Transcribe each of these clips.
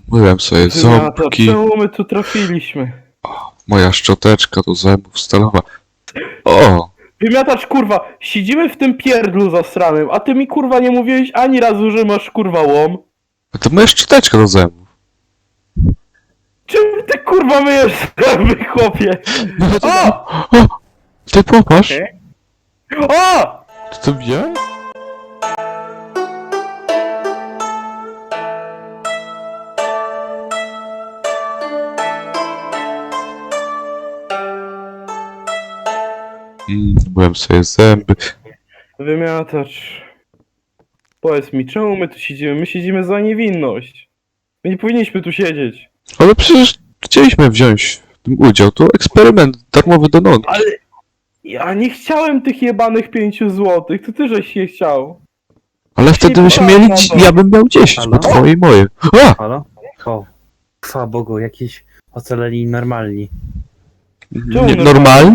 Myłem sobie ząbki, Czemu my tu trafiliśmy? moja szczoteczka do zębów stalowa. O! Wymiatacz, kurwa, siedzimy w tym pierdlu zasranym, a ty mi, kurwa, nie mówiłeś ani razu, że masz, kurwa, łom. To moja szczoteczka do zębów. Czym ty, kurwa, myjesz zęby, chłopie? O! O! Ty popatrz! Okej. O! Ty to widziałeś? Myłem sobie zęby. Wymiatacz. Powiedz mi, czemu my tu siedzimy? My siedzimy za niewinność. My nie powinniśmy tu siedzieć. Ale przecież chcieliśmy wziąć w tym udział. To eksperyment darmowy do nonki. Ale ja nie chciałem tych jebanych 5 złotych, to ty żeś je chciał. Ale wtedy byśmy mieli... Ja bym miał 10, bo Halo? twoje i moje. A! Halo? O, chwała Bogu, jakiś ocaleni normalni. Nie, normalni?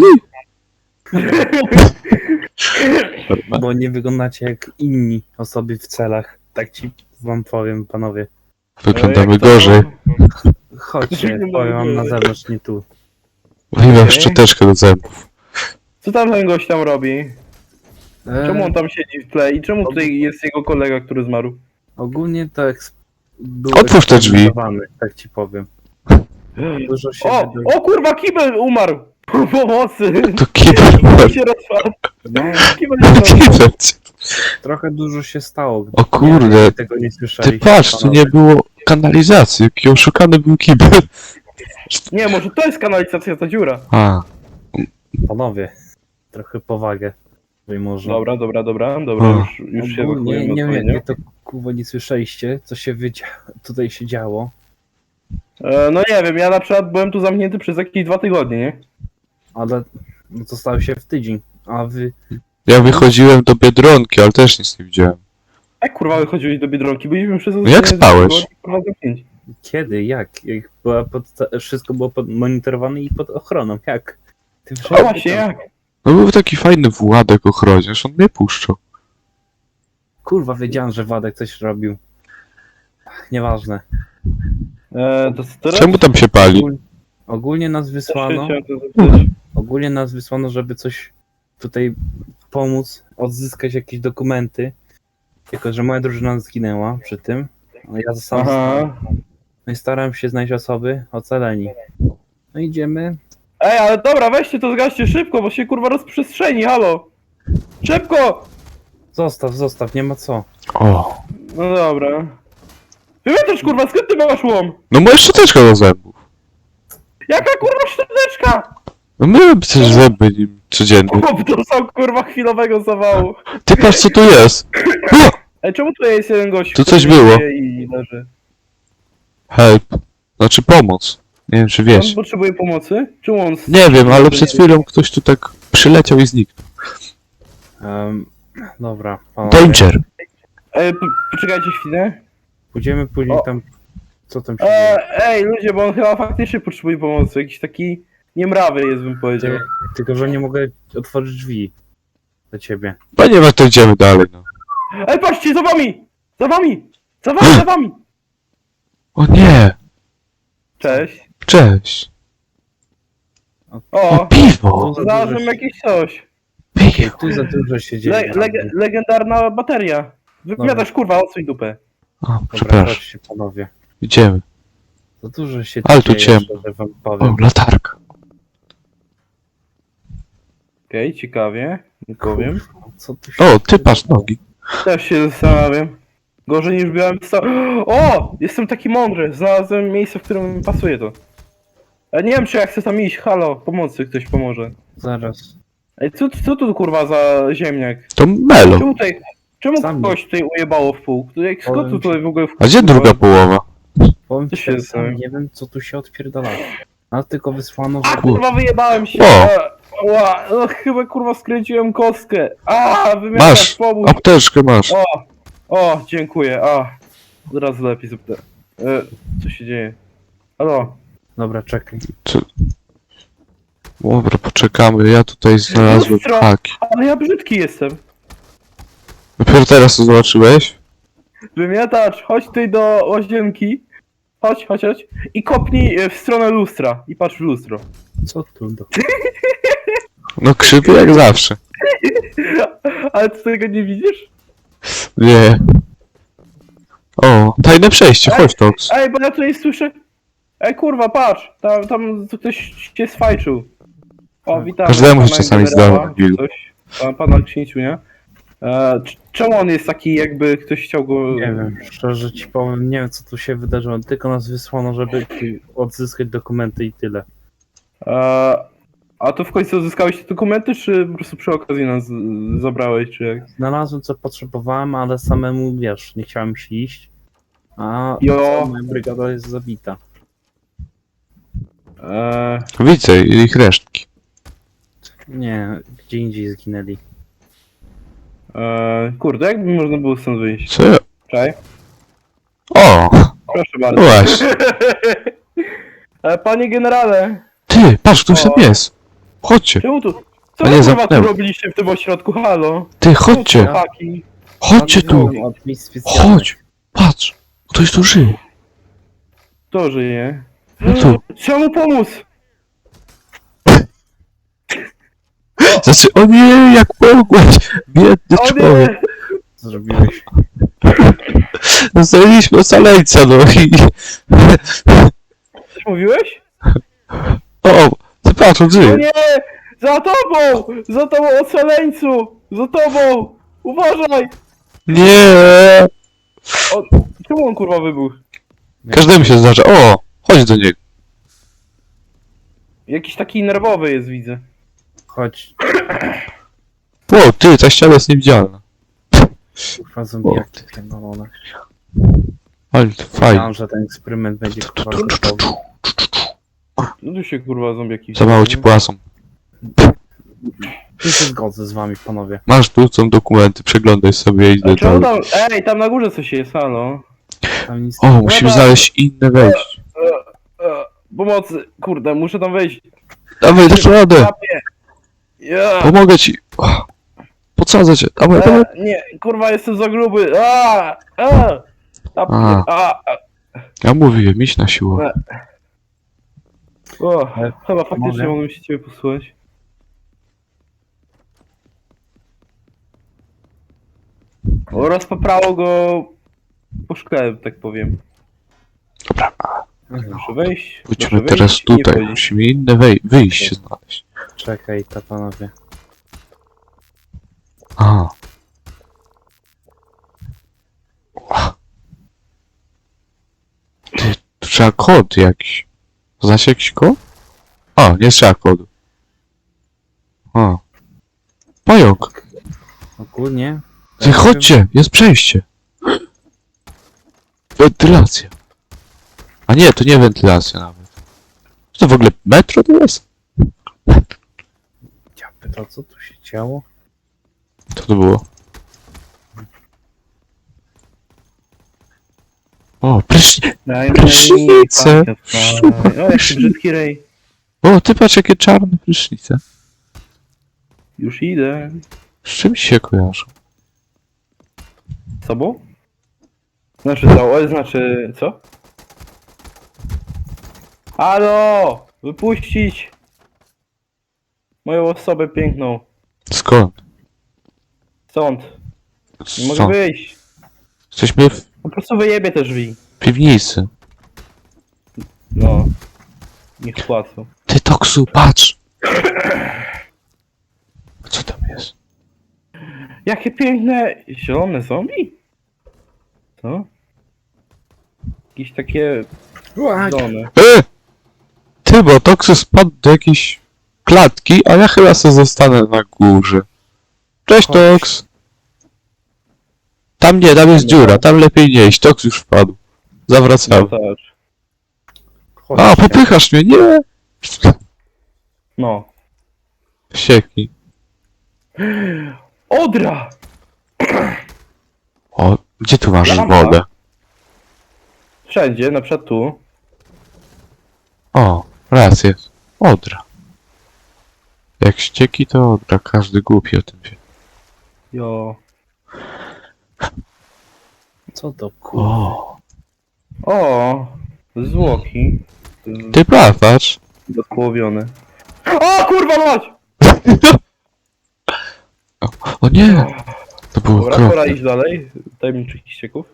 Bo nie wyglądacie jak inni osoby w celach. Tak ci wam powiem, panowie. Wyglądamy Jak to? gorzej. Chodźcie, powiem wam na zewnątrz, nie tu. Wyjąłem szczoteczkę do zębów. Co tam ten gość tam robi? Czemu on E, tam siedzi w tle i czemu tutaj jest jego kolega, który zmarł? ogólnie to był Otwórz te drzwi. eksperymentowany, tak ci powiem. Dużo się O kurwa, kibel umarł! Pomocy! To kibel. Kibel się rozpadł. No, Kibel się rozpadł. Kibel. trochę dużo się stało. O kurde, Nie wiem, czy tego nie Ty słyszeliście, patrz, tu panowie. nie było kanalizacji. Jaki oszukany był kibel. Nie, może to jest kanalizacja, ta dziura. A, Panowie, trochę powagę. Wy może. Dobra, O. już się Ogólnie ewakuujemy nie wiem, odpowiednio. jak to kurwa nie słyszeliście, co się tutaj się działo. No nie wiem, ja na przykład byłem tu zamknięty przez jakieś 2 tygodnie, nie? Ale no to stało się w tydzień, a wy... ja wychodziłem do Biedronki, ale też nic nie widziałem. Jak kurwa wychodziłeś do Biedronki? Byliśmy przez jak spałeś? 2 tygodnie, kurwa, zamknięci. Kiedy? Jak była wszystko było monitorowane i pod ochroną? Jak? Ty A wszedłeś właśnie, tam. jak? No był taki fajny Władek ochroniarz, on mnie puszczał. Kurwa, wiedziałem, że Władek coś robił. Ach, nieważne. To teraz... Czemu tam się pali? Ogólnie nas wysłano, Chciałem to zapytać. ogólnie nas wysłano, żeby coś tutaj pomóc, odzyskać jakieś dokumenty. Tylko, że moja drużyna zginęła przy tym. No ja zostałem. Aha. No i starałem się znaleźć osoby ocaleni. No idziemy. Ej, ale dobra, weźcie to zgaście szybko, bo się kurwa rozprzestrzeni, halo! Szybko! Zostaw, nie ma co. O, No dobra. Wymiatasz kurwa, skąd ty masz łom? no moja szczoteczka do zębów. Jaka kurwa szczoteczka? No myłem przecież zęby nim codziennie. Chłop dostał kurwa chwilowego zawału. Ty patrz co tu jest. O! Ej, czemu tutaj jest jeden gość, Tu który coś było. żyje i leży? Help. Znaczy pomoc. Nie wiem czy On wiesz. potrzebuje pomocy? Czemu on... Nie wiem, ale przed chwilą ktoś tu tak przyleciał i zniknął. Dobra, panowie. Danger. Ej, poczekajcie chwilę. Pójdziemy później O. tam. Co tam się dzieje? Ej, ludzie, bo on chyba faktycznie potrzebuje pomocy. Jakiś taki niemrawy jest, bym powiedział. Tylko, że nie mogę otworzyć drzwi do ciebie. Panie, no to idziemy dalej, no. Ej, patrzcie, za wami! Za wami! Za wami, za wami! O nie! Cześć. Cześć! O, O, piwo! znalazłem jakieś coś. Piwo! Tu za dużo się dzieje. Legendarna bateria. Wypowiadasz kurwa, odsuń dupę. O, Dobra, przepraszam. chodźcie panowie. Idziemy. Za dużo się Ale tu dzieje, ciemno. szczerze wam O, powiem. latarka. Okej, ciekawie. Nie powiem. Co tu się O, ty patrz nogi. Też się zastanawiam. Gorzej niż byłem O! Jestem taki mądry. Znalazłem miejsce, w którym mi pasuje to. Ja nie wiem, czy ja chcę tam iść. Halo, pomocy, ktoś pomoże. Zaraz. Ej, co tu kurwa za ziemniak? To Melo. Czemu Sami. kogoś tutaj ujebało w pół? Skąd tu tutaj w ogóle A gdzie druga połowa? Powiem Co ci, się tak stało? sam nie wiem, co tu się odpierdala. Nas tylko wysłano, A żeby... kurwa, wyjebałem się! O! No, chyba kurwa skręciłem kostkę. Wymiatasz, Masz! pomóż! Apteczkę masz. O, dziękuję, Zaraz lepiej zapytę. Co się dzieje? Halo? Dobra, czekaj. Dobra, poczekamy. Ja tutaj znalazłem Lustro! haki. Ale ja brzydki jestem. Dopiero teraz to zobaczyłeś? Wymiatacz, chodź tutaj do łazienki. chodź. I kopnij w stronę lustra. I patrz w lustro. Co tu do... No krzywy jak zawsze. Ale ty tego nie widzisz? Nie. O, tajne przejście, chodź Tox. Ej, bo ja tutaj słyszę... Ej, kurwa, patrz! Tam ktoś się swajczył. O, witam. Każdemu się pana czasami generała, zdarza, Gil. coś. Pana księciu, nie? Czemu on jest taki, jakby ktoś chciał go... Nie wiem, szczerze ci powiem, nie wiem co tu się wydarzyło, tylko nas wysłano, żeby odzyskać dokumenty i tyle. A to w końcu uzyskałeś te dokumenty, czy po prostu przy okazji nas zabrałeś, czy jak? Znalazłem co potrzebowałem, ale samemu, wiesz, nie chciałem się iść. A Jo. cała moja brygada jest zabita. Widzę ich resztki. Nie, gdzie indziej zginęli. Kurde, jakby można było stąd wyjść? Co ja... Czekaj, O, proszę no bardzo. właśnie. Panie generale, Ty, patrz, ktoś tam O. jest. Chodźcie, czemu tu... Co A wy nie, kurwa tu zamknęło. robiliście w tym ośrodku, halo? ty, chodźcie. Chłopaki. Chodźcie tu. Od miejsc specjalnych. Chodź. Patrz, ktoś tu żyje. Kto żyje? No tu. Trzeba mu pomóc! Znaczy, o nie, jak mogłeś. Biedny O człowiek. nie! Co zrobiłeś? Zostawiliśmy ocaleńca, no i... Coś mówiłeś? O, ty patrz, on O żyje. nie! Za tobą! Za tobą, ocaleńcu! Za tobą! Uważaj! Nie. O, czemu on kurwa wybuchł? Każdemu się zdarza. O, chodź do niego. Jakiś taki nerwowy jest, widzę. Chodź, O, ty, ta ściana jest niewidzialna. kurwa zombiaki pierdolone. Ale to fajnie. Myślałem, że ten eksperyment będzie kurwa gotowy. No tu się kurwa zombiaki... Za mało ci płacą. Nie się zgodzę z wami, panowie. Masz tu są dokumenty, przeglądaj sobie i A idę czemu dalej. tam... Ej, tam na górze coś jest, halo? Tam nic O, musimy znaleźć inne wejście. Pomocy! Kurde, muszę tam wejść. Dawaj, dasz radę. Łapie. Ja. Pomogę ci. O, podsadzę cię. Dawaj, dawaj. Nie, kurwa, jestem za gruby. Ja mówiłem, iść na siłę. O, chyba faktycznie Mogę? mogłem się ciebie posłuchać. Rozpaprało go po szkle, tak powiem. Dobra, Muszę wejść. wróćmy muszę teraz wejść i nie tutaj. wchodzić. Musimy inne wyjście znaleźć. Czekaj, to panowie. A. Ty, tu trzeba kod jakiś. Znacie jakiś kod? O, nie trzeba kodu. O. Pająk. Ogólnie... Ty, chodźcie, jest przejście. Wentylacja. A nie, to nie wentylacja nawet. Co to w ogóle metro to jest? Ja pytał, co tu się działo? Co to było? O, prysznic. Prysznice. O, jaki brzydki rej. O, ty patrz jakie czarne prysznice. Już idę. Z czym się kojarzą? Z sobą? Znaczy co? Znaczy co? Halo! Wypuścić! Moją osobę piękną. Skąd? Stąd. Nie mogę Stąd. wyjść. Jesteśmy w Po prostu wyjebie te drzwi. piwnicy. No. Niech płacą. Ty, Toksu, patrz! Co tam jest? Jakie piękne zielone zombie? Co? Jakieś takie zielone. Ty, bo Toksu spadł do jakiejś klatki, a ja chyba sobie zostanę na górze. Cześć, Chodź. Toks! Tam nie, tam jest dziura, tam lepiej nie iść, Toks już wpadł. Zawracam. No tak. A, popychasz mnie, nie! No. Sieki. Odra! O, gdzie tu masz Lampa. wodę? Wszędzie, na przykład tu. O, raz jest. Odra. Jak ścieki to odra, każdy głupi o tym wie. Jo. Co to kurwa? O, O! Zwłoki. Ty patrz. Dopłowione. O kurwa mać! O nie! To było Dobra, pora okropne. iść dalej. Tajemniczych ścieków.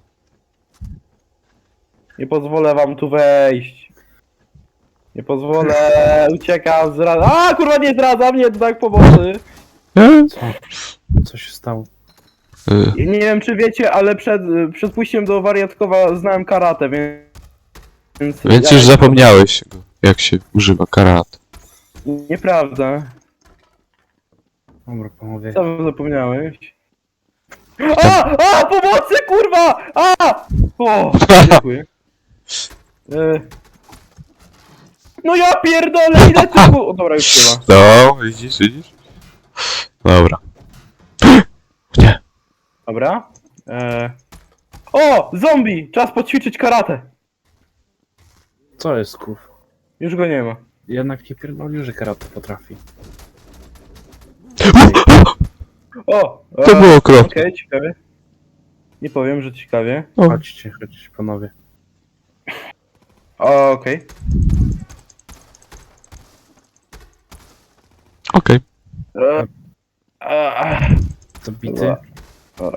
Nie pozwolę wam tu wejść. Nie pozwolę, uciekam, zdradzam. A kurwa nie zdradzam, nie, tak pomocy. Nie? Co się stało? Nie wiem czy wiecie, ale przed pójściem do wariatkowa znałem karate, więc... Więc już zapomniałeś, jak się używa karat. Nieprawda. Dobra, panowie. Co wy zapomniałeś? A! Pomocy, kurwa! A! O! Dziękuję. No ja pierdolę, ile tu... O, dobra, już nie ma. No, widzisz? Dobra. Nie. Dobra. O! Zombie! Czas poćwiczyć karate. Co jest, kurw? Już go nie ma. Jednak nie pierdolił, że karate potrafi. O! To było okropne. Okej, ciekawie. Nie powiem, że ciekawie. O, Chodźcie, panowie. Okej. okej. Zabity. Dobra.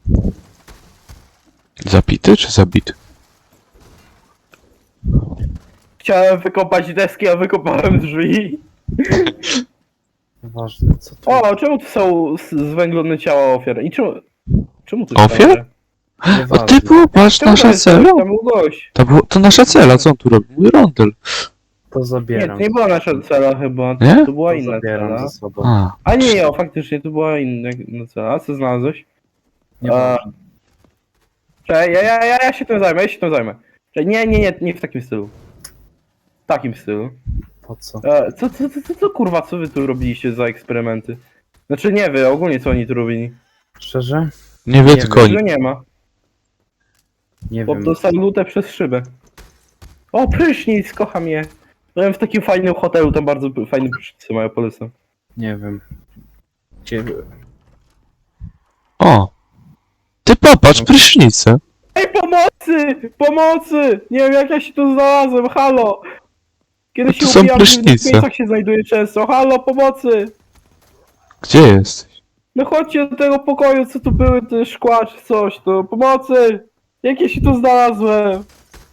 Zapity czy zabity? Chciałem wykopać deski, a wykopałem drzwi. Ważne, co to O, czemu tu są zwęglone ciała ofiar? I czemu tu Ofiar? jest O Nieważne. ty popatrz, Czemu nasza cela? Tam był gość. To nasza cela, co on tu robi? Mój rondel. To Nie, zabieram. to nie była nasza cela chyba. Nie? To była To inna zabieram cela. ze sobą. A, Nie, faktycznie to była inna cela. A co znalazłeś? Nieważne. Czekaj, ja się tym zajmę, Czekaj, nie w takim stylu. W takim stylu. Po co? Co kurwa, co wy tu robiliście za eksperymenty? Znaczy nie wy, ogólnie co oni tu robili. Szczerze? nie wie Nie tylko oni. Tego nie ma. Nie Bo wiem. dostał lutę przez szybę. O, prysznic, kocham je. Byłem w takim fajnym hotelu, tam bardzo fajne prysznice mają, polecam. Nie wiem. Gdzie... O! Ty popatrz, prysznicę. Ej, pomocy! Pomocy! Nie wiem jak ja się tu znalazłem, halo! Kiedy No się to są ubijam, w prysznice. miejscach się znajduje często, halo, pomocy! Gdzie jesteś? No chodźcie do tego pokoju, co tu były te szkła czy coś, to pomocy! Jak ja się tu znalazłem?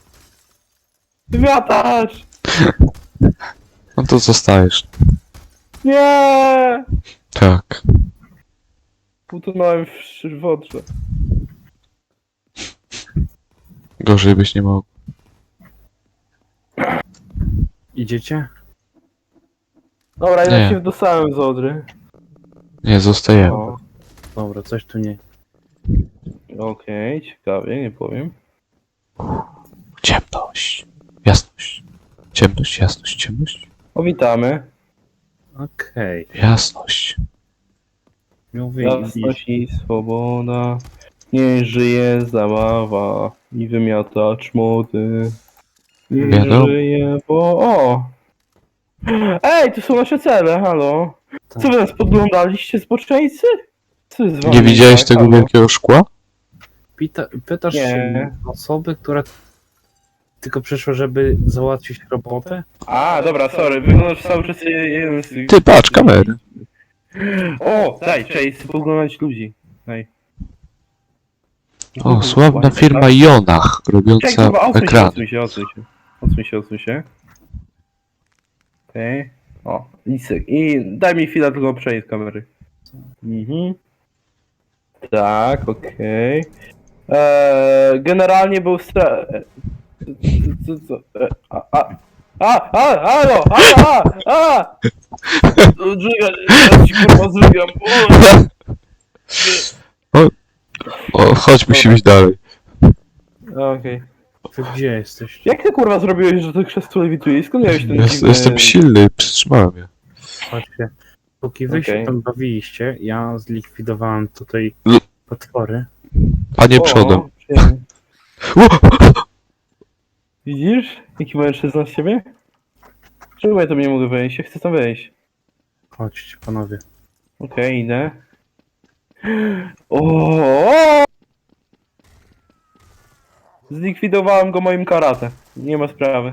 Wymiatacz! No to zostajesz. Nie! Tak. Utonąłem w wodrze. Gorzej byś nie mógł. Idziecie? Dobra, ja Nie. się dostałem z Odry. Nie, zostajemy. O, Dobra, coś tu nie. okej, ciekawie, nie powiem. Ciemność. Jasność. Ciemność, jasność, ciemność. O, witamy. Okej. Jasność. Mówi Jasność i swoboda. Niech żyje zabawa i wymiatacz młody. Niech Wiadomo. żyje, bo... O! Ej, to są nasze cele, halo. Co wy nas podglądaliście, zboczeńcy? Co jest z wami Nie widziałeś tak, tego halo? wielkiego szkła? Pytasz Nie. osoby, która tylko przyszła, żeby załatwić robotę? A, dobra, sorry, wyglądasz cały czas jeden z tych... Ty patrz, kamery. O, daj, cześć, chcę poglądać ludzi. Daj. O, sławna firma Jonach, Czekaj, robiąca kurwa, ekran. odsuń się. Okej. O, i daj mi chwilę tylko przejść z kamery. Mhm. Tak, okej. Generalnie był halo, Zżygam, ja ci kurwa zżygam. O, chodź, musimy iść dalej. Okej. Wy gdzie jesteście? Jak ty kurwa zrobiłeś, że to krzesło lewituje? Skąd miałeś ten dziwny... Jestem silny, przytrzymałem je. Chodźcie. Póki wy się Okej. tam bawiliście, ja zlikwidowałem tutaj L- potwory. Panie O, przodem. przyjemnie. O! Widzisz? Jaki mężczyzna z ciebie? Czemu ja tam nie mogę wejść? Ja chcę tam wejść. Chodźcie, panowie. Okej, idę. O! Zlikwidowałem go moim karate. Nie ma sprawy.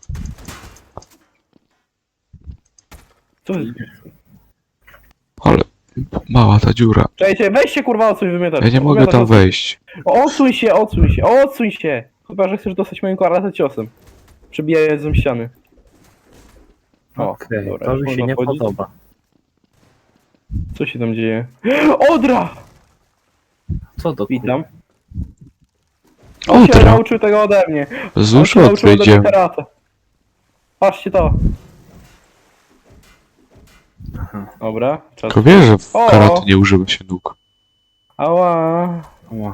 Co jest? Ale mała ta dziura. Czekajcie, weź się kurwa odsuń, wymiatasz. Ja nie mogę tam wejść. Odsuń się, odsuń się, odsuń się! Chyba, że chcesz dostać moim karate ciosem. Przebijając ze ściany. O, Okej, dobra, to już mi się można nie wchodzić. podoba. Co się tam dzieje? Odra! Co do Witam. On się Odra! nauczył tego ode mnie. Z On uszu się nauczył ode mnie odwejdziemy. karate. Patrzcie to. Aha. Dobra, czas. Tylko wiesz, że w O! karate nie używa się nóg. Ała. Ła.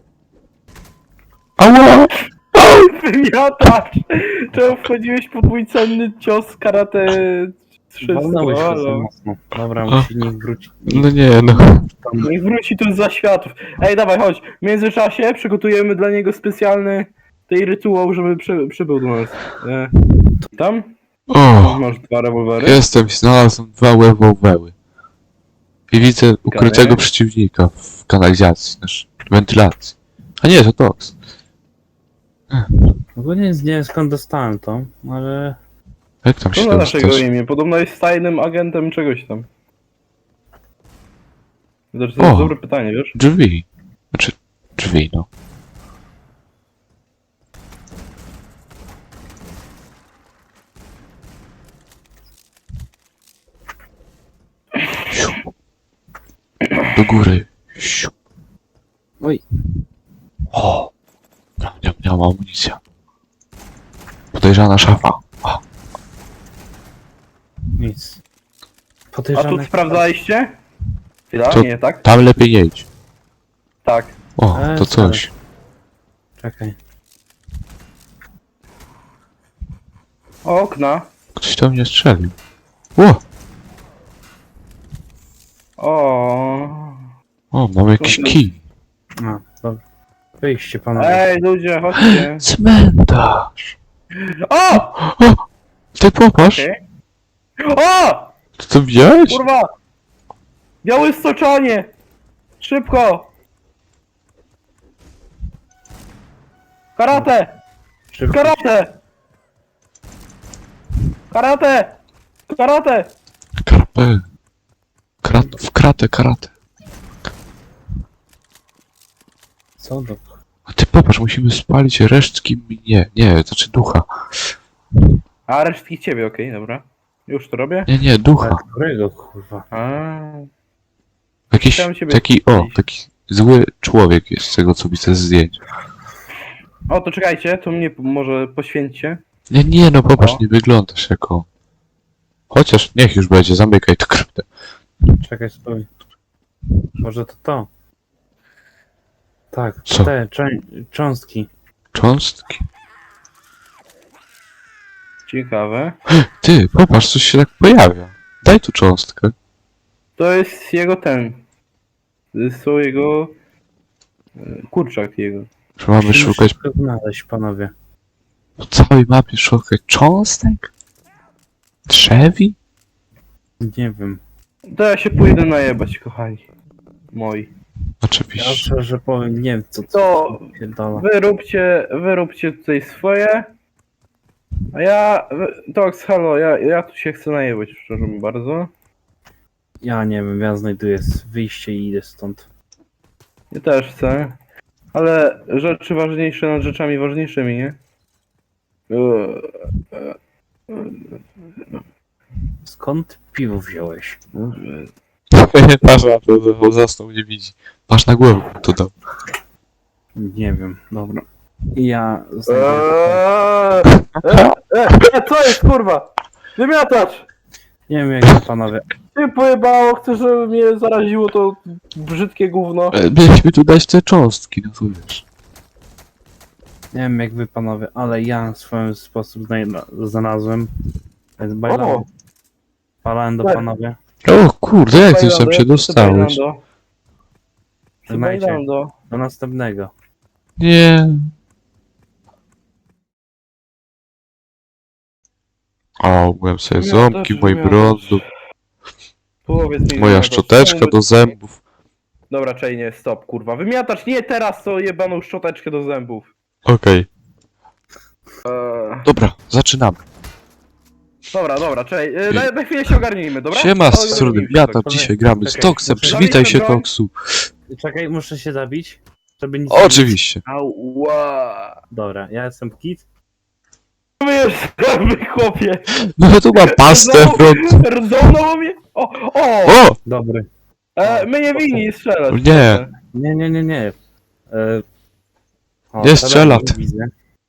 Ała! Wymiatacz! Czemu wchodziłeś pod mój cenny cios karate 300? Walnąłeś się za Halo? mocno. Dobra, A. musi niech wróci. No nie, no. Niech wróci tu za światów. Ej, dawaj, chodź. W międzyczasie przygotujemy dla niego specjalny tej rytuał, żeby przybył do nas. Tam? O! Masz 2 rewolwery. Jestem, znalazłem 2 rewolwery. I widzę ukrytego Okej. przeciwnika w kanalizacji, znaczy wentylacji. A nie, to Tox. Ogólnie nie wiem skąd dostałem to, ale... Jak tam Co się na naszego dostać? imię? Podobno jest tajnym agentem czegoś tam. Znaczy, to O. jest dobre pytanie, wiesz? Drzwi. Znaczy, drzwi, no. Siu. Do góry. Siu. Oj. O! Nie mam amunicja. Podejrzana szafa. O, Nic. A Podejrzane... tu sprawdzaliście? Chwila, To- nie, tak? tam lepiej nie idź. Tak. O, to coś. Czekaj. Okna. Ktoś tam mnie strzelił. O! O, mam jakiś kij. A, dobra. Wyjście panowie. Ej, ludzie, chodźcie. Cmentarz. O! O! Ty popatrz. Okej. O! Ty to widziałeś? Kurwa! Białe stoczanie! Szybko! Karate! Szybko. Karate! Karate! Karate! Karpę. W kratę, karate. Co do... A ty popatrz, musimy spalić resztki nie, znaczy ducha. A resztki ciebie, okej, dobra. Już to robię? Nie, ducha. Którego kurwa? A. Jakiś Chciałem ciebie taki, spalić. taki zły człowiek jest z tego, co widzę z zdjęć. O, to czekajcie, to mnie może poświęćcie. Nie, no popatrz, O. nie wyglądasz jako... Chociaż niech już będzie, zamykaj tę kryptę. Czekaj, stój. Może to to? Tak, Co? te cząstki. Cząstki. Ciekawe. Ty, popatrz, coś się tak pojawia. Daj tu cząstkę. To jest jego ten. To są jego... kurczak jego. Że mamy Musimy szukać szybko znaleźć, panowie. po całej mapie, szukać cząstek? Drzewi? Nie wiem. To ja się pójdę najebać, kochani. Moi. Ja Oczywiście. szczerze powiem, nie wiem co To pierdala. wyróbcie tutaj swoje. A ja... Tox, halo, ja tu się chcę najebać, szczerze mi bardzo. Ja nie wiem, ja znajduję wyjście i idę stąd. Ja też chcę. Ale rzeczy ważniejsze nad rzeczami ważniejszymi, nie? Skąd piwo wziąłeś? Patrz na to, bo zasnął, nie widzi. Patrz na głowę, to dał. Nie wiem, dobra. Ja znajduję... Co jest, kurwa? Wymiatacz! Nie wiem jak to panowie. Ty pojebało, chcesz, żeby mnie zaraziło to brzydkie gówno. Mieliśmy tu dać te cząstki, no to wiesz. Nie wiem jak wy panowie, ale ja w swoim sposób znalazłem. Więc bajlałem. Balałem do Tak. panowie. O kurde, jak ty tam się dostałeś? Trzymajcie. Bajlando. Do następnego. Nie. O, byłem sobie Nie, ząbki w też mojej miałem brązu, Powiedz mi, moja wymiatacz, szczoteczka czemu do zębów. Dobra, czej, nie, stop, kurwa. Wymiatacz nie teraz, co jebaną szczoteczkę do zębów. Okej. Dobra, zaczynamy. Dobra, czekaj, na chwilę się ogarnijmy, dobra? Siema, z O, strony ogarnijmy się, Wiata, tak. dzisiaj gramy z Czekaj, Toksem, muszę- przywitaj się Zabijmy broń. Toksu. Czekaj, muszę się zabić, żeby nic Oczywiście. Ała. Dobra, ja jestem Kit. Wiesz, chłopie. No tu mam pastę w rąk. Rdzono mnie? O! O! Dobry. My nie winni strzelać. Nie. Nie. O, Nie teraz strzela. Widzę.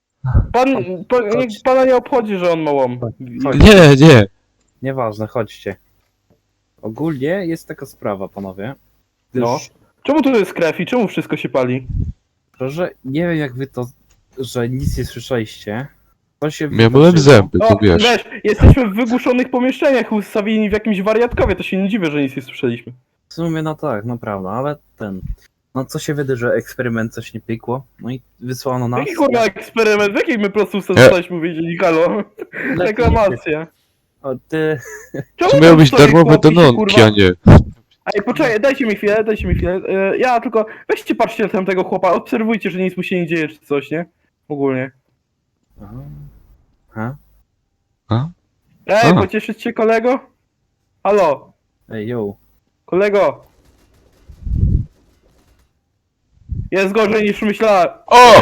Niech pana nie obchodzi, że on ma łom. Nie. Nieważne, chodźcie. Ogólnie jest taka sprawa, panowie. No. Gdyż, Czemu tu jest krew i czemu wszystko się pali? że nie wiem jak wy to, że nic nie słyszeliście. To się Myłem wydarzyło. zęby, to wiesz. Wiesz, jesteśmy w wygłuszonych pomieszczeniach ustawieni w jakimś wariatkowie, to się nie dziwię, że nic nie słyszeliśmy. W sumie no tak, no prawda, ale no co się wydarzy, że eksperyment coś nie pykło, no i wysłano nas. Jaki kurwa eksperyment? W jakiej my prostą zostaliśmy wiedzieli, halo? Reklamacja. O, ty, Czemu To miały tam być stoi darmowe chłop i się, denonki, kurwa- a nie. Ej, poczekaj, dajcie mi chwilę. Ja tylko, weźcie patrzcie na tamtego chłopa, obserwujcie, że nic mu się nie dzieje, czy coś, nie? Ogólnie. Ha? Ej, A. pocieszyć się kolego? Halo, Ej, yo. kolego. Jest gorzej niż myślałem. O!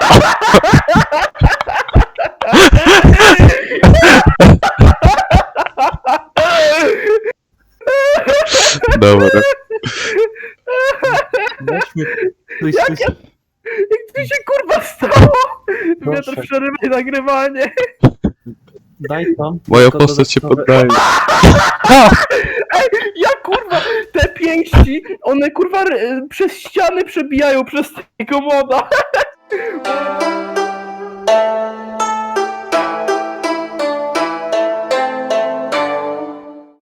Dobra. Weźmy, Jak to się kurwa stało? Wiatr Proszę. przerywaj nagrywanie. daj tam. Moja tylko postać się dodatkowe- poddaje. Ja kurwa, te pięści, one kurwa przez ściany przebijają przez tego moda.